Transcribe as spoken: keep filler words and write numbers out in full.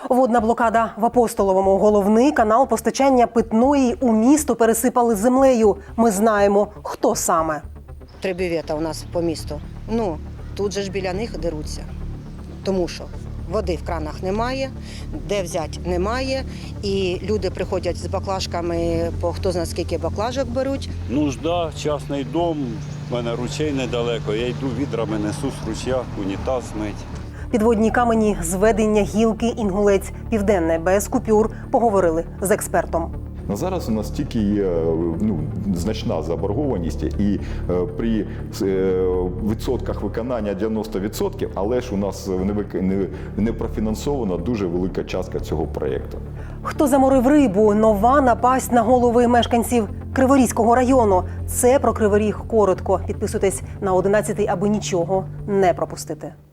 Водна блокада в Апостоловому. Головний канал постачання питної у місто пересипали землею. Ми знаємо, хто саме. Три бювета у нас по місту. Ну, тут же ж біля них деруться. Тому що води в кранах немає, де взяти немає. І люди приходять з баклажками, по хто знає скільки баклажок беруть. Нужда, частний дом, в мене ручей недалеко, я йду відрами, несу з ручя, унітаз мить. Підводні камені, зведення гілки, Інгулець, Південне, без купюр. Поговорили з експертом. На зараз у нас тільки є ну, значна заборгованість і е, при е, відсотках виконання дев'яносто відсотків, але ж у нас не, вик... не, не профінансована дуже велика частка цього проєкту. Хто заморив рибу? Нова напасть на голови мешканців Криворізького району. Це про Кривий Ріг коротко. Підписуйтесь на одинадцятий, аби нічого не пропустити.